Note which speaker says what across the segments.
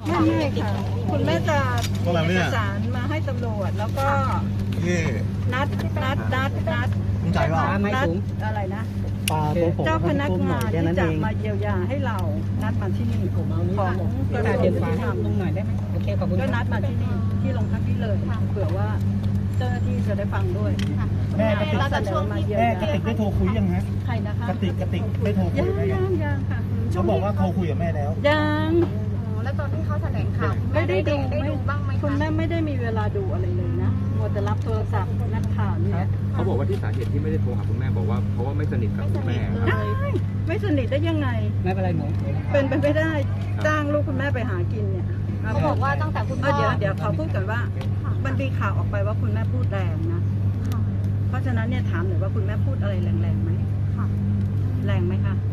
Speaker 1: ไม่ค่ะคุณแม่จะมีเอกสารมาให้ตำรวจแล้วก็นัด
Speaker 2: คุณจ่ายว่าไม่สูง
Speaker 1: อะไรนะ
Speaker 2: เจ้า
Speaker 1: พนักงานที่จะมาเยียวยาให้เรานัดมาที่นี่ของกระทรวงยุติธรรม
Speaker 2: ลงหน่อยได้ไหมโอเคขอบคุณ
Speaker 1: ก็นัดมาที่นี่ที่โรงพักที่เลยเผื่อว่าเจ้าหน้าที่จะได้ฟังด้วย
Speaker 2: แม่กระติกได้โทรคุยยังฮะ
Speaker 1: ใครนะคะ
Speaker 2: กระติกได้โทรคุยไหม
Speaker 1: ยังค่ะ
Speaker 2: เขาบอกว่าโทรคุยกับแม่แล้ว
Speaker 1: ยัง
Speaker 3: แล้วตอนที่เขาแถลงข่าว
Speaker 1: ไม่ได้ดู
Speaker 3: บ้างไหม
Speaker 1: คุณแม่ไม่ได้มีเวลาดูอะไรเลยนะมัวแต่รับโทรศัพท์นักข่าวนี่
Speaker 4: เขาบอกว่าที่สาเหตุที่ไม่ได้โทรหาคุณแม่บอกว่าเพราะว่าไม่สนิทกับคุณแม่
Speaker 1: ไม่สนิทได้ยังไง
Speaker 2: ไม่เป็นไรหนู
Speaker 1: เป็นไปไม่ได้จ้างลูกคุณแม่ไปหากินเนี่ย
Speaker 3: เขาบอกว่าตั้งแต่คุณพ่อ
Speaker 1: เดี๋ยวเขาพูดกันว่ามันมีข่าวออกไปว่าคุณแม่พูดแรงนะเพราะฉะนั้นเนี่ยถามหน่อยว่าคุณแม่พูดอะไรแรงๆไหมแรงไหมคะ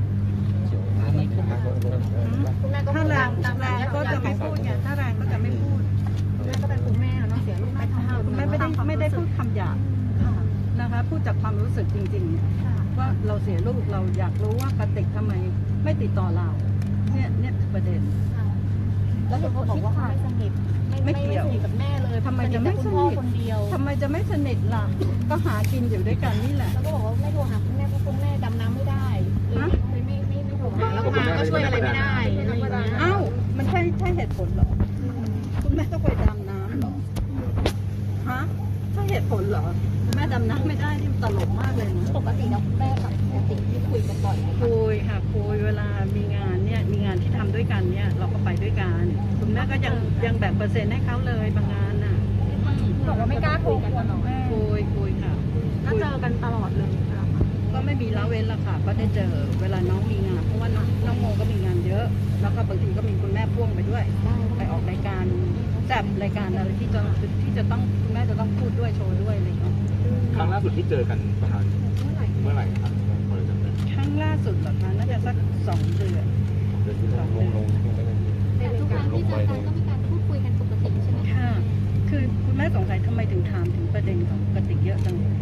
Speaker 1: ถ้าแรงก็จะไม่พูดไงถ้าแรงก็จะไม่พูด
Speaker 3: แม่ก็เป็นคุณแม่เนาะเสียลูกแม่ทำให้
Speaker 1: คุณแม่ไม่ได้พูดคำหยาบนะคะพูดจากความรู้สึกจริงๆว่าเราเสียลูกเราอยากรู้ว่ากติกทำไมไม่ติดต่อเราเนี่ยประเด็น
Speaker 3: แล้วเห็นเขาบอกว่าไม่สนิทไม่เกี่ยวกับแม่เลย
Speaker 1: ทำไมจะไม่สนิท
Speaker 3: คนเดียว
Speaker 1: ทำไมจะไม่สนิทล่ะก็หากินอยู่ด้วยกันนี่แหละ
Speaker 3: แล้วก็บอกว่าไม่โทรหาคุณแม่เพราะคุณแม่ดำน้ำไม่ได้ไม่โทรหาแล้วมาก็ช่วยอะไรไม่ได้
Speaker 1: อ้าวมันใช่เหตุผลเหรอคุณแม่ต้องไปดำน้ำเหรอฮะใช่เหตุผลเหรอคุณแม่ดำน้ำไม่ได้นี่ตลกมากเลยนะ
Speaker 3: ปกติแล้วคุณแม่กับปกติที่คุยกันบ่อยไหม
Speaker 1: คุยค่ะคุยเวลามีงานเนี่ยมีงานที่ทำด้วยกันเนี่ยเราก็ไปด้วยกันคุณแม่ก็ยังแบ่งเปอร์เซ็นต์ให้เขาเลยบางงานน่ะ
Speaker 3: บอกว่าไม่กล้าโทรกันหรอ
Speaker 1: คุยค่ะ
Speaker 3: แล้วเจอกันตลอดเลย
Speaker 1: ก็ไม่มีละเว้นละค่ะก็ได้เจอเวลาน้องมีงานเพราะว่าน้องโมก็มีงานเยอะแล้วก็บางทีก็มีคุณแม่พ่วงไปด้วยไปออกรายการจับรายการอะไรที่จะต้องคุณแม่จะต้องพูดด้วยโชว์ด้วยอะไรอย่างเงี้ย
Speaker 4: ครั้งล่าสุดที่เจอกันประมาณเมื่อไหร่ครับ
Speaker 1: ครั้งล่าสุดเหรอคะน่าจะสัก2 เดือน
Speaker 3: แต่ทุกครั้งที่เจอกันก็มีการพูดคุยกันปกติใช่ไหม
Speaker 1: ค่ะคือคุณแม่สงสัยทำไมถึงถามถึงประเด็นของกติกเยอะจังเลย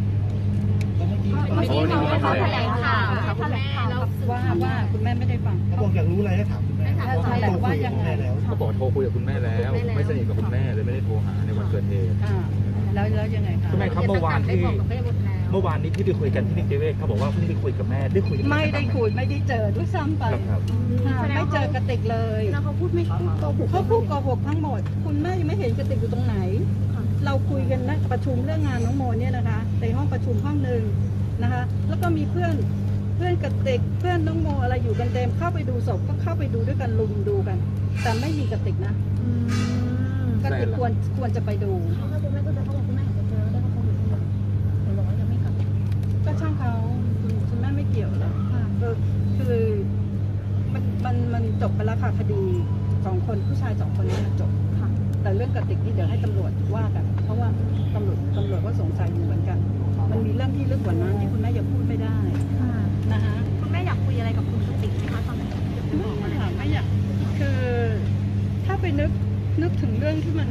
Speaker 3: เขาแถลงข่าวคุณแม่แล้ว
Speaker 1: ว่าคุณแม่ไม่ได้ฟัง
Speaker 2: เขาบอกอยากรู้อะไรให้ถามคุณแม่
Speaker 1: แต่ว่ายังไง
Speaker 4: เขาบอกโทรคุยกับคุณแม่แล้วไม่สนิทกับคุณแม่เลยไม่ได้โทรหาในวันเกิดเหตุ
Speaker 1: แล้วยังไงคะ
Speaker 4: คุณแม่ครับเมื่อวานนี้ที่ไปคุยกันที่นิติเวชเขาบอกว่าเพิ่งไปคุยกับแม่ได้คุย
Speaker 1: ไม่ได้คุยไม่ได้เจอด้วยซ้ำไปไม่เจอกติกเลย
Speaker 3: แล้วเขาพูดไม่โกหก
Speaker 1: เขาพูดโกหกทั้งหมดคุณแม่ยังไม่เห็นกติกอยู่ตรงไหนเราคุยกันนะประชุมเรื่องงานน้องโมเนี่ยนะคะในห้องประชุมห้องนึงนะคะแล้วก็มีเพื่อนกติกเพื่อนน้องโมอะไรอยู่กันเต็มเข้าไปดูศพก็เข้าไปดูด้วยกันลุมดูกันแต่ไม่มีกติกนะกติกควรจะไปดู
Speaker 3: คุณแม่ก็จะเขาบอกคุณแม่จะเจอได้เขาบอกเห็นบอกว่ายังไม่กลับ
Speaker 1: ก็ช่างเขาคุณแม่ไม่เกี่ยวแล้วคือมันจบไปแล้วค่ะคดี2 คนผู้ชาย2 คนนี้มันจบค่ะแต่เรื่องกติกนี่เดี๋ยวให้ตำรวจว่ากันเพราะว่าตำรวจก็สงสัยอยู่เหมือนกันมันมีเรื่องที่ลึกกว่านั้นที่คุณแม่ยังพูดไม่ได้นะคะ
Speaker 3: คุณแม่อยากคุยอะไรกับคุณกติกไหมคะตอนนี้
Speaker 1: ไม่อยากคือถ้าไปนึกถึงเรื่องที่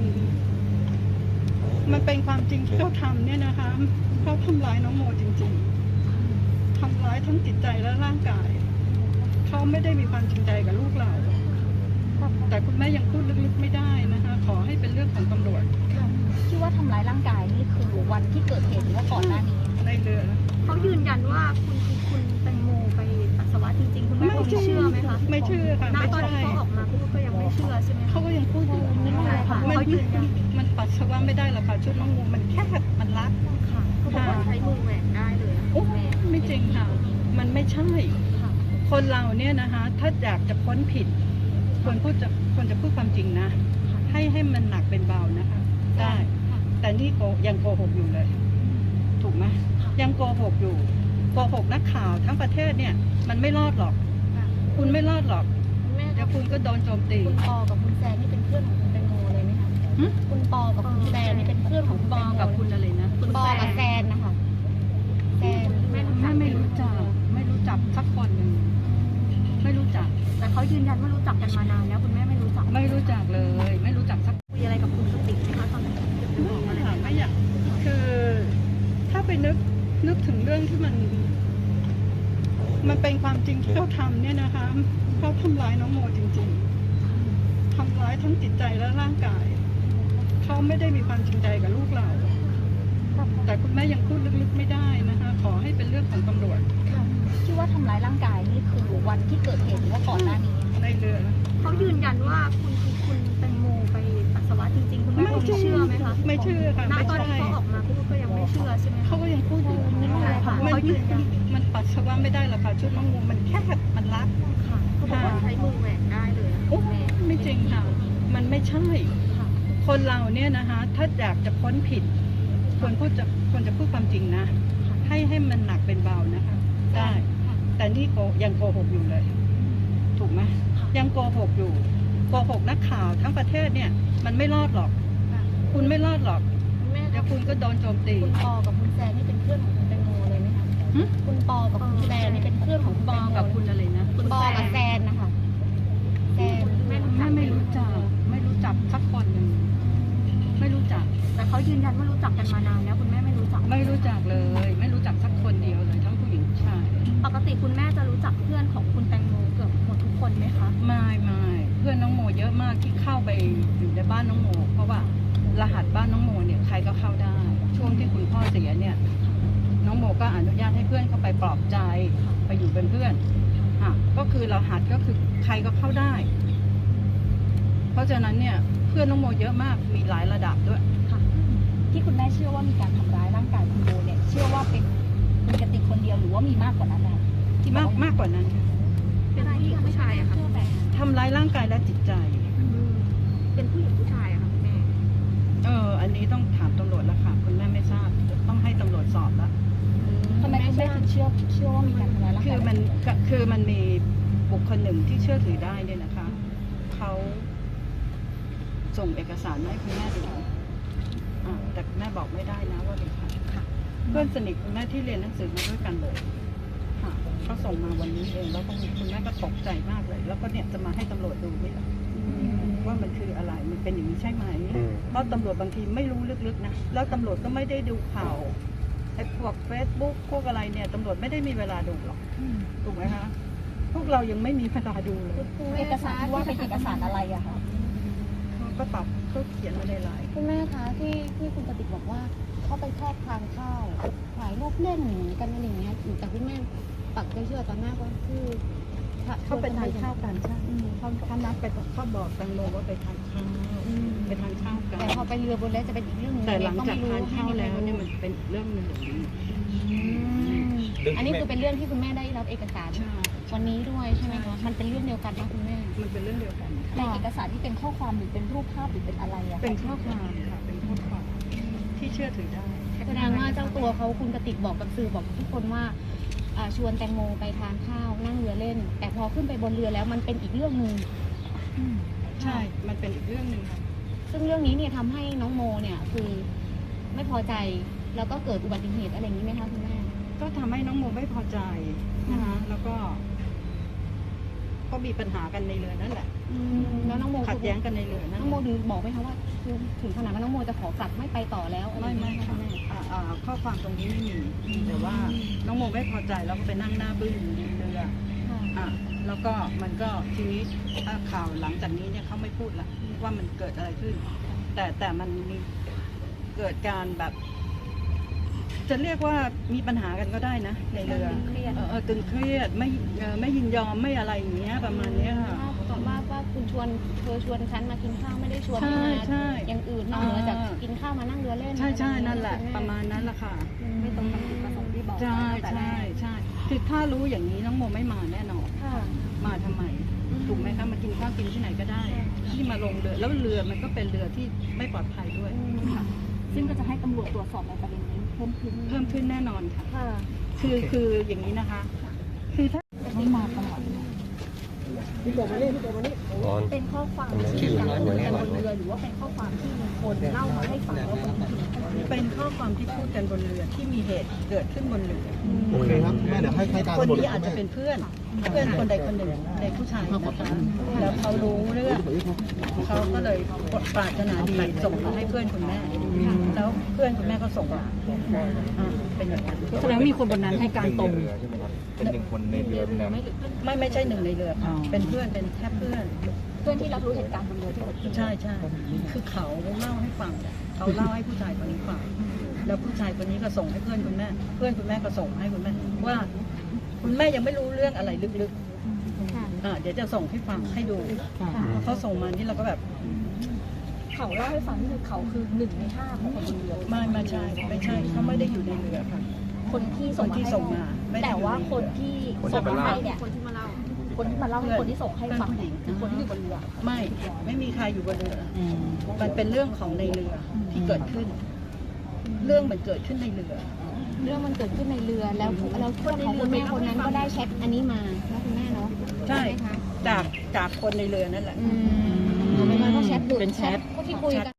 Speaker 1: มันเป็นความจริงที่เขาทำเนี่ยนะคะเขาทำร้ายน้องโมจริงๆทำร้ายทั้งจิตใจและร่างกายเขาไม่ได้มีความจริงใจกับลูกเราแต่คุณแม่ยังพูดลึกๆไม่ได้นะคะขอให้เป็นเรื่องของตำรวจ
Speaker 3: ที่ว่าทำร้ายร่างกายนี่คือวันที่เกิดเหตุหรือว่าก่อนหน้านี้
Speaker 1: ในเรือ
Speaker 3: เขายืนยันว่าคุณแตงโมไปปัสสาวะจริงๆคุณแม่เชื่อไหมคะ
Speaker 1: ไม่เชื่อค่ะ
Speaker 3: ไม่ใช่เขาออกมาพูดก็ยังไม่เชื่อใช่ไหม
Speaker 1: เขาก็ยังพูดอยู่
Speaker 3: เขายืนยัน
Speaker 1: มันปัสสาวะไม่ได้หรอกค่ะชุดน้องโมมันแค่มันรัด
Speaker 3: ค่ะเขาบอกว่าใช้มือแหวกได้เลย
Speaker 1: ไม่จริงค่ะมันไม่ใช่คนเราเนี่ยนะคะถ้าอยากจะพ้นผิดควรจะพูดความจริงนะให้มันหนักเป็นเบานะคะได้แต่นี่ยังโกหกอยู่เลยถูกไหมยังโกหกอยู่โกหกนักข่าวทั้งประเทศเนี่ยมันไม่รอดหรอกคุณไม่รอดหรอกเดี๋ยวคุณก็โดนโจมตี
Speaker 3: คุณปอกับคุณแซนนี่เป็นเพื่อนของคุณแตงโมเลยไหมคะคุณปอกับคุณแซนนี่เป็นเพื่อนของคุณ
Speaker 1: ปอกับคุณอะไรนะ
Speaker 3: คุณปอกับแซนนะคะแซน
Speaker 1: ไม่รู้จักสักคนหนึ่งไม่รู้จัก
Speaker 3: แต่เขายืนยันว่ารู้จักกันมานานแล้วคุณแม่ไม่รู้จัก
Speaker 1: เลยไม่รู้จักสัก
Speaker 3: คุยอะไรกับคุณกติกไหมคะตอนนี้
Speaker 1: ไม่อยากคือถ้าไปนึกถึงเรื่องที่มันเป็นความจริงที่เขาทำเนี่ยนะคะเขาทำร้ายน้องโมจริงๆททำร้ายทั้งจิตใจและร่างกายเขาไม่ได้มีความจริงใจกับลูกเราแต่คุณแม่ยังพูดลึกๆไม่ได้นะคะขอให้เป็นเรื่องของตำรวจ
Speaker 3: ที่ว่าทำร้ายร่างกายนี่คือวันที่เกิดเหตุหรือว่าก่อนหน้านี้
Speaker 1: ในเรือ
Speaker 3: เขายืนยันว่าคุณแตงโมไปปัสสาวะจริงๆคุณแม่เชื่อไหมคะ
Speaker 1: ไม่เชื่อค่ะ
Speaker 3: ณ
Speaker 1: ไม่
Speaker 3: ตอน
Speaker 1: ใช่
Speaker 3: ที่เขาออกมาพูดก็ยังไม่เชื่อใช่ไหม
Speaker 1: เขาก็ยังพูดอยู่
Speaker 3: นี่อะไรคะ
Speaker 1: มัน
Speaker 3: เขายืนยัน
Speaker 1: มันปัสสาวะไม่ได้หรอกค่ะชุดน้องงูมันแคบมันรัด
Speaker 3: ค่ะเขาบอกว่าใช้มือแหวกได้เลย
Speaker 1: โอ้ไม่จริงค่ะ มันไม่ใช่ คนเราเนี่ยนะคะถ้าอยากจะพ้นผิดควรพูดความจริงนะ ให้มันหนักเป็นเบานะคะได้แต่นี่ยังโกหกอยู่เลย ถูกไหมยังโกหกอยู่โกหกนักข่าวทั้งประเทศเนี่ยมันไม่รอดหรอก คุณไม่รอดหรอก
Speaker 3: แม่
Speaker 1: เดี๋ยวคุณก็โดนโจมตี
Speaker 3: คุณปอกับคุณแซนนี่เป็นเพื่อนของคุณแตงโมเลยไหมคะ
Speaker 1: หึ
Speaker 3: คุณปอกับคุณแซนนี่เป็นเพื่อนของคุณ
Speaker 1: ป
Speaker 3: แต
Speaker 1: อง
Speaker 3: โม
Speaker 1: กับคุณอะไรนะ
Speaker 3: คุณปอกับแซนนะคะแซนแม่
Speaker 1: ไม่รู้จักสักคนหนึ่งไม่รู้จัก
Speaker 3: แต่เขายืนยันว่ารู้จักกันมานานแล้วคุณแม่ไม่รู้จัก
Speaker 1: ไม่รู้จักเลย ไม่รู้จักสักคนเดียวเลยทั้งผู้หญิงผู้ชาย
Speaker 3: ปกติคุณแม่จะรู้จักเพื่อนของคุณแตงโมเกือบหมดทุกคนไหมคะ
Speaker 1: ไม่เพื่อนน้องโมเยอะมากที่เข้าไปอยู่ในบ้านน้องโมเพราะว่ารหัสบ้านน้องโมเนี่ยใครก็เข้าได้ ช่วงที่คุณพ่อเสียเนี่ยน้องโมก็อนุญาตให้เพื่อนเข้าไปปลอบใจไปอยู่เป็นเพื่อนก็คือรหัสก็คือใครก็เข้าได้ เพราะฉะนั้นเนี่ยเพื่อนน้องโมเยอะมากมีหลายระดับด้วย
Speaker 3: ค่ะที่คุณแม่เชื่อว่ามีการทำร้ายร่างกายคุณโบเนี่ยเชื่อว่าเป็นคุณกติกคนเดียวหรือว่ามีมากกว่านั้นแล้วที่
Speaker 1: มากกว่านั้นค่ะ
Speaker 3: เป็นผู้หญิงผู้ชายอะค่ะ
Speaker 1: ทำร้ายร่างกายและจิตใจ
Speaker 3: เป็นผู้หญิงผู้ชายอะค่ะคุณแม่
Speaker 1: อันนี้ต้องถามตำรวจแล้วค่ะคุณแม่ไม่ทราบต้องให้ตำรวจสอบแล้ว
Speaker 3: ทำไมคุณแม่ถึงเชื่อว่ามีการทำร้ายร่าง
Speaker 1: คื
Speaker 3: กา
Speaker 1: อย มันมีบุคคลหนึ่งที่เชื่อถือได้เนี่ยนะคะเขาส่งเอกสารมาให้คุณแม่ดูแต่คุณแม่บอกไม่ได้นะว่าเป็นใครเพื่อนสนิทคุณแม่ที่เรียนหนังสือมาด้วยกันเลยเขาส่งมาวันนี้เองแล้วก็คุณแม่ก็ตกใจมากเลย แล้วก็เนี่ยจะมาให้ตำรวจดูนี่แหละว่ามันคืออะไรมันเป็นอย่างนี้ใช่ไหมเพราะตำรวจบางทีไม่รู้ลึกๆนะแล้วตำรวจก็ไม่ได้ดูข่าวไอ้พวก Facebook พวกอะไรเนี่ยตำรวจไม่ได้มีเวลาดูหรอกถูกไหมคะพวกเรายังไม่มีเวลาดูเลย
Speaker 3: เอกสารที่ว่าเป็นเอกสารอะไรอะคะ
Speaker 1: เขาก็ตอบเขาเขียนมาในไลน์
Speaker 3: คุณแม่คะที่คุณกติกบอกว่าเขาไปแค่ทานข้าวถ่ายรูปเล่นกันอะไรอย่างเงี้ยแต่คุณแม่ปักใจเชื่อตอนหน้าก็คือ
Speaker 1: เขาไปทานข้าวกันใช่เขานัดไปเขาบอกแตงโมว่าไปทานข้าวไปทานข้าวกัน
Speaker 3: แต่พอไปเรือบนแล้วจะเป็นอีกเรื่องนึง
Speaker 1: แต่หลังจากทานข้าวแล้วเนี่ยมันเป็นเรื่องหนึ่ง
Speaker 3: อันนี้คือเป็นเรื่องที่คุณแม่ได้รับเอกสาร
Speaker 1: ใช่
Speaker 3: วันนี้ด้วยใช่ไหมคะมันเป็นเรื่องเดียวกันนะคุณแม่
Speaker 1: มันเป็นเรื่องเดียวกัน
Speaker 3: ในเอกสารที่เป็นข้อความหรือเป็นรูปภาพหรือเป็นอะไรอะ
Speaker 1: เป็นข้อความค่ะเป็นข้อความที่เชื่อถือได้
Speaker 3: แสดงว่าเจ้าตัวเขาคุณกติกบอกกับสื่อบอกทุกคนว่าชวนแตงโมไปทานข้าวนั่งเรือเล่น แต่พอขึ้นไปบนเรือแล้วมันเป็นอีกเรื่องหนึ่ง
Speaker 1: ใช่มันเป็นอีกเรื่องหนึ่งค่ะ
Speaker 3: ซึ่งเรื่องนี้เนี่ยทำให้น้องโมเนี่ยคือไม่พอใจแล้วก็เกิดอุบัติเหตุอะไรอย่างนี้ไหมคะคุณแม่
Speaker 1: ก็ทำให้น้องโมไม่พอใจนะคะแล้วก็มีปัญหากันในเรือนั่นแหละ
Speaker 3: แล้วน้องโม
Speaker 1: ขัดแย้งกันในเรือนั่น
Speaker 3: น้องโมถึงบอกไหมคะว่าคือถึงขนาดว่าน้องโมจะขอกลับไม่ไปต่อแล้วอะไรอย่าง
Speaker 1: ไม่
Speaker 3: เงี้ย
Speaker 1: ค่ะ
Speaker 3: แม่
Speaker 1: ข้อความตรงนี้ไม่มีแต่ว่าน้องโมไม่พอใจแล้วก็ไปนั่งหน้าบึ้งอยู่ในเรือแล้วก็มันก็ทีนี้ถ้าข่าวหลังจากนี้เนี่ยเขาไม่พูดละว่ามันเกิดอะไรขึ้น แต่มันมีเกิดการแบบ จะเรียกว่ามีปัญหากันก็ได้นะในเรือตึงเครียดไม่ยินยอมไม่อะไรอย่างเงี้ยประมาณเนี้ยค่ะ
Speaker 3: บอกว่าคุณเธอชวนฉันมากินข้าวไม่ได้ชวน
Speaker 1: ใช่
Speaker 3: มา
Speaker 1: ใช่
Speaker 3: อย่างอื่นนอกเหนือจากกินข้าวมานั่งเรือเล่น
Speaker 1: ใช่นั่นแหละประมาณนั้นแหละค่ะ
Speaker 3: ไม่ตรงกับจุดประสงค์ที่บอก
Speaker 1: ใช่
Speaker 3: แต่แร
Speaker 1: ใช่
Speaker 3: ก
Speaker 1: คือถ้ารู้อย่างนี้น้องโมไม่มาแน่นอน
Speaker 3: ค่ะ
Speaker 1: มาทำไมถูกไหมคะมากินข้าวกินที่ไหนก็ได้ที่มาลงเรือแล้วเรือมันก็เป็นเรือที่ไม่ปลอดภัยด้วยค่ะ
Speaker 3: ซึ่งก็จะให้ตำรวจตรวจสอบในประเด็นนี้เพิ่มขึ้น
Speaker 1: เพิ่มขึ้นแน่นอนค่ะ
Speaker 3: ค่ะ
Speaker 1: คืออย่างนี้นะคะ คือถ้า
Speaker 3: ไม่มาตลอด เป็นข้อความที่ยังพูดกันบนเรือหรือว่าเป็นข้อความที่มีคนเล่ามาให้ฟังว่าคนอื่น
Speaker 1: เป็นข้อความที่พูดกันบนเรือที่มีเหตุเกิดขึ้นบนเรือ
Speaker 2: โอเคครับแม่เดี๋ยวให้ตาม
Speaker 1: คน
Speaker 2: ตำรวจ
Speaker 1: นี้อาจจะเป็นเพื่อนคนใดคนหนึ่งในผู้ชายนะคะแล้วเขารู้เรื่องเขาก็เลยปรารถนาดีส่งมาให้เพื่อนคุณแม่ แล้วเพื่อนคุณแม่ก็ส่งมาเป็นอย่างนั้น
Speaker 5: แสดงว่ามีคนบนนั้นให้การตรง
Speaker 4: เป็นหนึ่งคนในเรือแล้ว
Speaker 1: ไม่ใช่หนึ่งในเรือค่ะเป็นเพื่อนเป็นแค่เพื่อน
Speaker 3: เพื่อนที่รับรู้เหตุการณ์บนเรือที่เกิดขึ้น
Speaker 1: ใช่ใช่คือเขาเล่าให้ฟังเขาเล่าให้ผู้ชายคนนี้ฟังแล้วผู้ชายคนนี้ก็ส่งให้เพื่อนคุณแม่ เพื่อนคุณแม่ก็ส่งให้คุณแม่ว่าคุณแม่ยังไม่รู้เรื่องอะไรลึก
Speaker 3: ค่ะ
Speaker 1: ๆเดี๋ยวจะส่งให้ฟังให้ดู
Speaker 3: ค่ะ
Speaker 1: พอเขาส่งมานี่เราก็แบบ
Speaker 3: เขาเล่าให้ฟังนี่คือเขาคือ1 ใน 5ของคนบนเรือ
Speaker 1: ไม่ใช่เขาไม่ได้อยู่ในเรือค่ะ
Speaker 3: คนที่
Speaker 1: คนที่ส่งมาไม่ได้
Speaker 3: แต่ว่าคนที่ส่งมาให้เนี่ย
Speaker 5: คนที่มาเล่า
Speaker 3: คนที่มาเล่าให้คนที่ส่งให้ฟังเนี่ยคือคนที่อยู่บนเรือ
Speaker 1: ไม่มีใครอยู่บนเรืออมันเป็นเรื่องของในเรือที่เกิดขึ้น เรื่องมันเกิดขึ้นในเรือ
Speaker 3: เรื่องมันเกิดขึ้นในเรือแล้วเพื่อนของคุณแม่คนนั้นก็ได้แชทอันนี้มาแล้วคุณแม่เนาะ
Speaker 1: ใช่
Speaker 3: ไหมคะ
Speaker 1: จากคนในเรือนั่นแหละ
Speaker 3: เอาเป็นว่าก็แชทดูเป็นแชทที่คุยกัน